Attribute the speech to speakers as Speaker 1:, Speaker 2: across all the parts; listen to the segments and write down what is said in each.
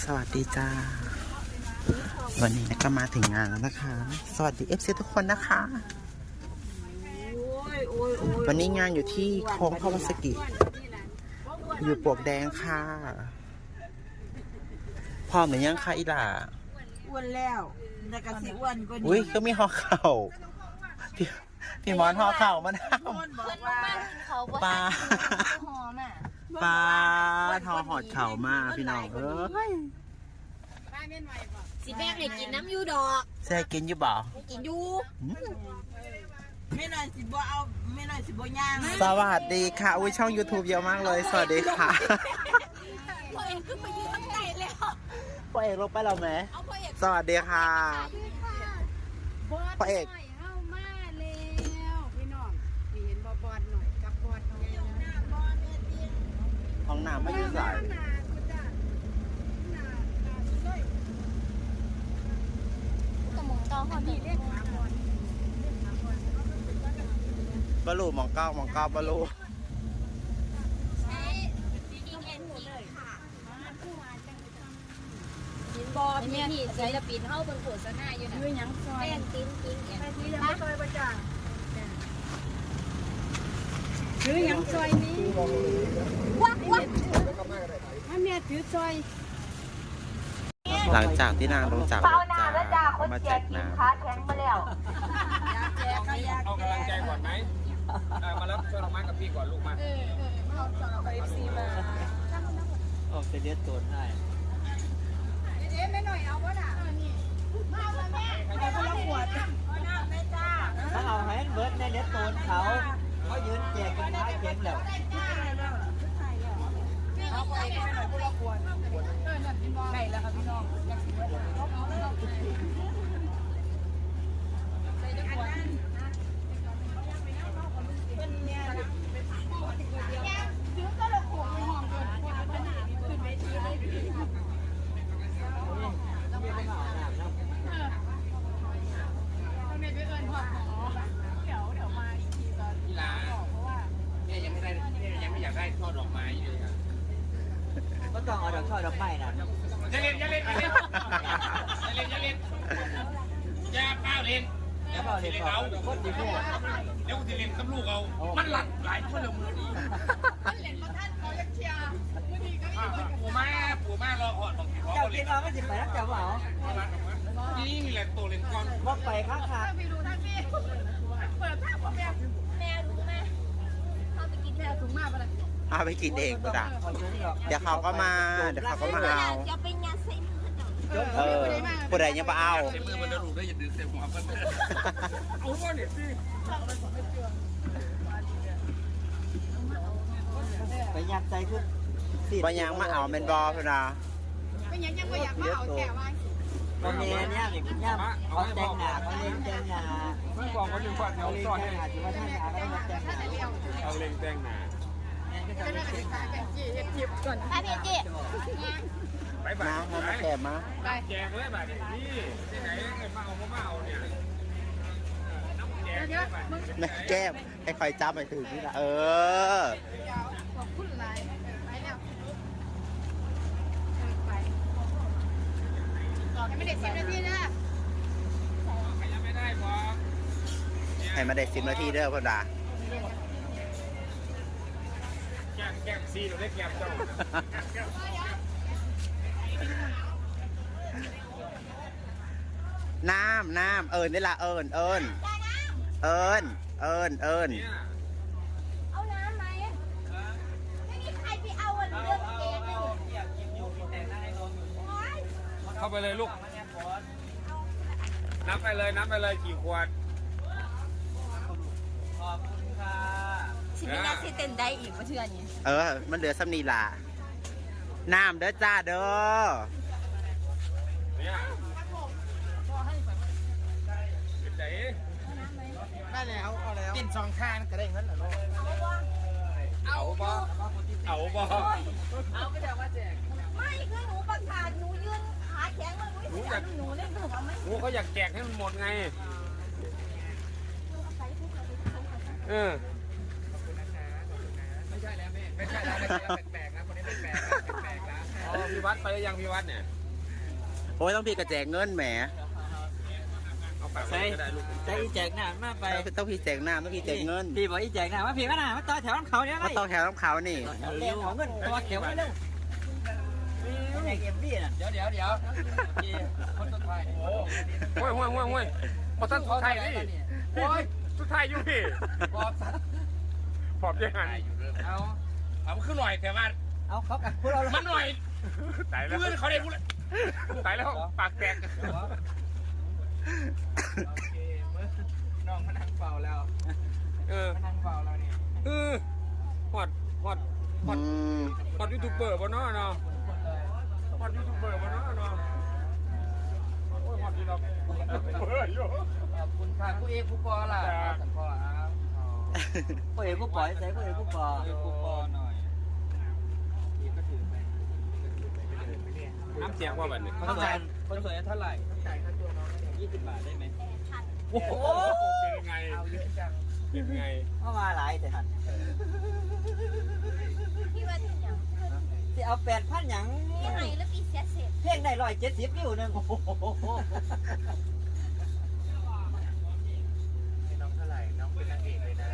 Speaker 1: สวัสดีจ้าวันนี้ก็มาถึงงานแล้วนะคะสวัสดีFCทุกคนนะคะวันนี้งานอยู่ที่โค้งพาวสกิอยู่ปลวกแดงค่ะพร้อมหรือยังคะอีหล่า
Speaker 2: อ้วนแล้วแต่กระสิอ้วนกว่านี้
Speaker 1: อุ้ยก็มีห่อเข่าพี่มอนห่อเข่ามาทำปลาปลาทอหอดเข่ามาพี่น้อง
Speaker 3: สิแม่ให้กินน้ำยูดอก
Speaker 1: แซ่กินอยู่บ่
Speaker 3: กินยู
Speaker 2: ไม่หน่อยสิบ่เอาไม่หน่อยสิบ่ย่าง
Speaker 1: สวัสดีค่ะอุ้ยช่อง YouTube เยอะมากเลยสวัสดีค่ะ
Speaker 3: พ่อเอกขึ้นไปยืนข้างในแล้ว
Speaker 1: พ่อเอกลงไปแล้วไหมสวัสดีค่ะพ่อเอก
Speaker 3: เข้ามาแล้วพี่น้องมีเห็นบอดหน่อยกับบอดหน่อย
Speaker 1: ห้องน้ำไม่ยืดสายบอลูมองเก้ามองเก้าบอลู
Speaker 3: บอมีนี่ศิลปินเข้าบนโฆษณาอยู่นะยังซอยแป้งติ้งติ้งยังไม่ซอยประจ่างหรือยังซอยนี้วักถ้าแม่ถือซอย
Speaker 1: หลังจากที่นางลงจากรถจ้ามาแจกน้ำ
Speaker 2: ขาแข็งมาแล้ว
Speaker 4: เอากำลังใจก่อนไหมมารับช่วยเราไม้กับพี่ก่อนลูกมา
Speaker 2: ไปFCมา
Speaker 1: ออกจะเลี้ยงตัวให้
Speaker 3: ไม่หน่อยเอาวะน่ะมาแม่ไปคนละขวด
Speaker 5: ถ้าเอาให้เบิร์ดในเลี้ยงตัวเขายืนแจกกันท้ายเข็มแล้ว
Speaker 3: เอาไปไม่หน่อยคนละขวดไก่แล้วครับพี่น้อง
Speaker 4: ช่อดอกไม้เลยครับ
Speaker 5: ก็ต้องเอาดอกช่อดอกไม้นะ
Speaker 4: อย่าเล่นอย่าเล่นอย่าเล่นอย่าเล่นอย่าเป้าเล่น
Speaker 5: อย่าเป้าเล่นเขาโคตรดีพวก
Speaker 4: เดี๋ยวจะเล่นกับลูกเอามันหลักหลายคนละมือดี
Speaker 3: เล่นมาท่านเขาเล็กเชียร์
Speaker 4: ปู่แม่รอหอดของพี่พ่อ
Speaker 5: เจ้ากินเอาไม่จิบไปรักเจ้าเปล่า
Speaker 4: นี่แหละตัวเล่นก้อน
Speaker 5: บอกไปข้างขา
Speaker 3: ไปดูท่านพี่เปิดภาพของแม่รู้ไหมเขาไปกินแม่ถุงมากไปเลย
Speaker 1: เอาไปกินเองก็ได้เดี๋ยวเขาก็มาเอาผู้ใดยังมาเอา
Speaker 4: เต็มมือมันจะรูได้อย่าดึงเต็มหัวมันเอาว่าเนี่ยสิ
Speaker 5: ไปยัดใจขึ้น
Speaker 1: บางอย่างมาเอาเป็นบอพี่นา
Speaker 3: เป็นยังไม่อยากมาเอาแก่ไว้
Speaker 5: ตอนนี้เนี่ยเนี่ยเขาแต่งหน้าเขาเล่นแต่งหน้า
Speaker 4: มันบอกว่าหนึ่งฝ่ายเขาสอนให้
Speaker 5: ถือว่าท่านอาก็มาแต่งหน้า
Speaker 4: เอาเล่นแต่งหน้า
Speaker 3: ไปพี่จี
Speaker 4: ไปบ้าน
Speaker 1: มาแกมา
Speaker 4: แจกเลยบ้านนี่ที่ไหนมาเอาเนี่ย
Speaker 1: แม่แก้มให้คอยจับไปถึงนี่ละ
Speaker 3: ขอบคุณหลายไปแล้วไปไม่ได้10 นาทีนะ
Speaker 4: ยังไม่ได้พอ
Speaker 1: ให้มาได้10 นาทีเด้อพ่อดา
Speaker 4: แก้มซีเราได้แก้มเจ้า
Speaker 1: น้ำนี่ละเอิญ
Speaker 3: เอาน้ำไหมไม่มีใครไปเอาเรื่องเกมเลย
Speaker 4: เข้าไปเลยลูกนับไปเลยกี่ขวด
Speaker 5: ขอบคุณค่ะ
Speaker 3: สิไม่น่าที่เต้นได้อีกมาเชื่อนี่
Speaker 1: มันเหลือซ้ำนี่ล่ะน้ำเด้อจ้าเด้อ
Speaker 4: ได้แล้วเอาแล้วกิน2 ข้างก็ได้เงินเหรอลูกเอาบ่
Speaker 3: เอาก็จะว่าแจกไม่คือหนูประกาศหนูยืนขาแข็งมันหนูเล่นถูกไหม
Speaker 4: หนูเขาอยากแจกให้มันหมดไงไม่ใช่แล้วแม่ไม่ใช่แล้วแปลกๆนะคนนี้แปลกๆนะพี่วัดไปหรือยังพี่วัดเนี่ย
Speaker 1: โอ้ยต้องพี่กระแจกเงินแหม
Speaker 4: เอาปาก
Speaker 5: ใส่
Speaker 4: ก็ได้ลูก
Speaker 5: ใส่อีแจกหน้ามาไป
Speaker 1: ต้องพี่แจกน้ำต้องพี่แจกเงิน
Speaker 5: พี่บอกอีแจกหน้ามาพี่ก็หน้ามาต่อแถวน้ำเขาเนี่ย
Speaker 1: มาต้องแถวน้ำเขานี่
Speaker 5: เร็วของเงินตัวเขียวมาเร็วแจกเอ็มบี้น่ะเดี๋ยวคนสุดท้าย
Speaker 4: โอ้ยพอท่านสุดท้ายนี่โอ้ยสุดท้ายอยู่พี่ปอบยังไงเอาขึ้นหน่อยแต่ว่า
Speaker 5: เอาเขากับพวกเรา
Speaker 4: มันหน่อยตายแล้วเพื่อนเขาได้พูดตายแล้วปากแตก
Speaker 5: น้องมานั่งเฝ้าแล้ว มานั่งเฝ้าแล้วนี่
Speaker 4: ฮอดยูทูบเบอร์บ่เนาะฮอดยูทูบเบอร์บ่เนาะโอ้ยฮอดอยู่ดอกเบอร์อยู่
Speaker 5: ขอบคุณค่ะผู้เอกผู้ปอล่ะสันพอผู้เอกผู้ปอยใส่ผู้เอกผู้ปอหน่อยพี่ก็ถือไป
Speaker 4: น้ำเสียงว่าแบบนี้
Speaker 5: คนสวยเท่าไหร่ต้องจ่ายค่าตัวน้อง20 บาทได้ไหม
Speaker 4: โอ้โหเป็นยังไง
Speaker 5: เอาเยอะจัง
Speaker 4: เป็นยังไง
Speaker 5: เข้ามาหลายแต่หัน
Speaker 3: พี่ว่าที่ยัง
Speaker 5: ที่เอา8,000หยัง
Speaker 3: พี่ไหนแล้วพี่เสียเสร็จ
Speaker 5: เพลงได้170วิวนึงโอ้โห
Speaker 6: น้องเท่าไหร่ น้องเป็นนางเอกเลยนะ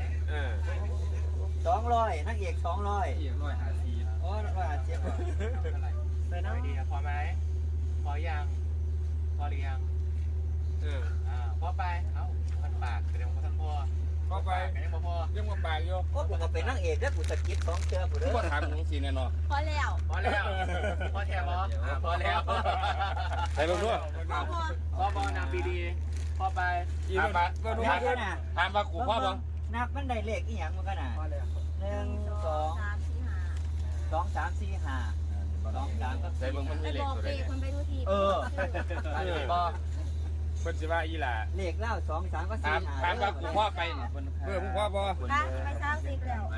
Speaker 5: 200นางเอก200โอ้150
Speaker 6: แต่น้องดีนะพอไหม พอยัง พอหรือยัง พอไป เอ้าพันปากแสดงว่าท่านพ่อ
Speaker 4: เข้าไป
Speaker 6: กันยังพอ
Speaker 4: ยังมาปากอยู่
Speaker 5: โอ้กูก็เป็นนางเอกแล้วกูสกิป2เทื่อกูเด้อ
Speaker 4: ก็ถามมึงสิแน่นอน
Speaker 3: พอแล้ว
Speaker 6: พอแล้ว พอแทบพอแล้ว
Speaker 4: ใส่ลงด้วย
Speaker 6: พอนางปีดีพอไป
Speaker 4: อีกแล้วก็ดูเพื่อนถามว่ากูพ่อบ้าง
Speaker 5: นับมันได้เลขอีหยังมันก็น่ะ1 2 2 3 4 5 2 3ก็
Speaker 4: ใส่เบิ่งมัน
Speaker 3: ไป
Speaker 4: มีเหล็ก
Speaker 3: บอก
Speaker 4: ตัว
Speaker 3: เป
Speaker 4: ใด
Speaker 3: คนไปดูที
Speaker 6: พ่อ
Speaker 4: เพิ่นสิว่าอีหล่า
Speaker 5: เลขแล้ว2 3ก็4 5
Speaker 4: ถามว่ากูพ่อไปมึงพ่อบ่
Speaker 3: ไปสร้างสิบแล้ว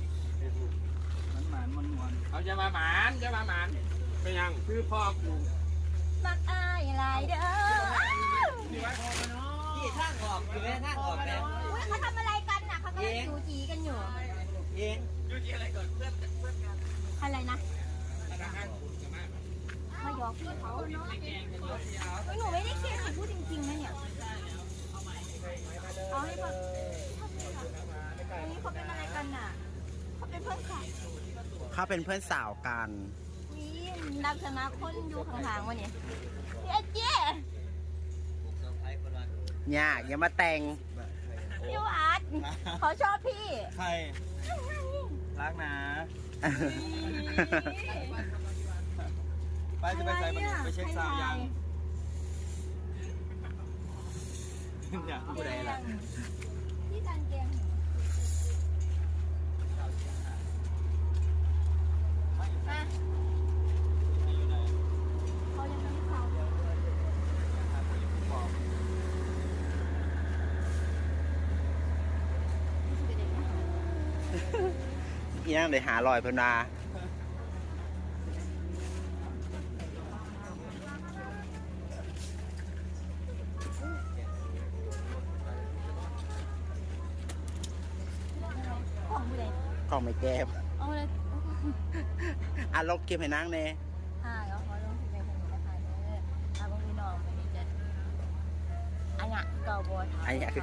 Speaker 4: เอาจะมาหมานเป็นยังคือพ่อกู
Speaker 3: มักอายหลายเด้อ
Speaker 5: ที่ทางออกอยู่แม่ทางออกแม่
Speaker 3: อุ้ยเขาทำอะไรกันน่ะเขากำลังจูจีกันอยู่
Speaker 5: เอง
Speaker 3: อะไรนะมาหยอกพี่เขาเนาะหนูไม่ได้เครียดพูดจริงๆนะเนี่ยเอาให้แบบอันนี้เขาเป็นอะไรกันน่ะเขาเป็นเพื่อนสาว
Speaker 1: เขาเป็นเพื่อนสาวกัน
Speaker 3: นี่ดักชนะคนอยู่ข้างๆวะเนี่ยพี่เจ๊
Speaker 1: ยากอย่ามาแต่ง
Speaker 3: พี่วัดเขาชอบพี่
Speaker 5: ใครรักนะไปจะไปใส่บันไปเช็คซาวยังอยากผู้ใดล่ะ
Speaker 3: พี่จันเกมมาเขายังไม่เข้าเลย
Speaker 1: อีนั่งเลยหาลอยเพิ่นมา
Speaker 3: ของผู้ใด
Speaker 1: ของไม่แก้ม
Speaker 3: เอาเลย
Speaker 1: อ่ะลบเก็บให้นั่งเน่
Speaker 3: ค่ะก็ขอลงที่เป็นคนนะคะเด้ออาบงพี่น้องวันนี้จะอันเนี้ยเก่าบัวถาม
Speaker 1: อันนี้คือ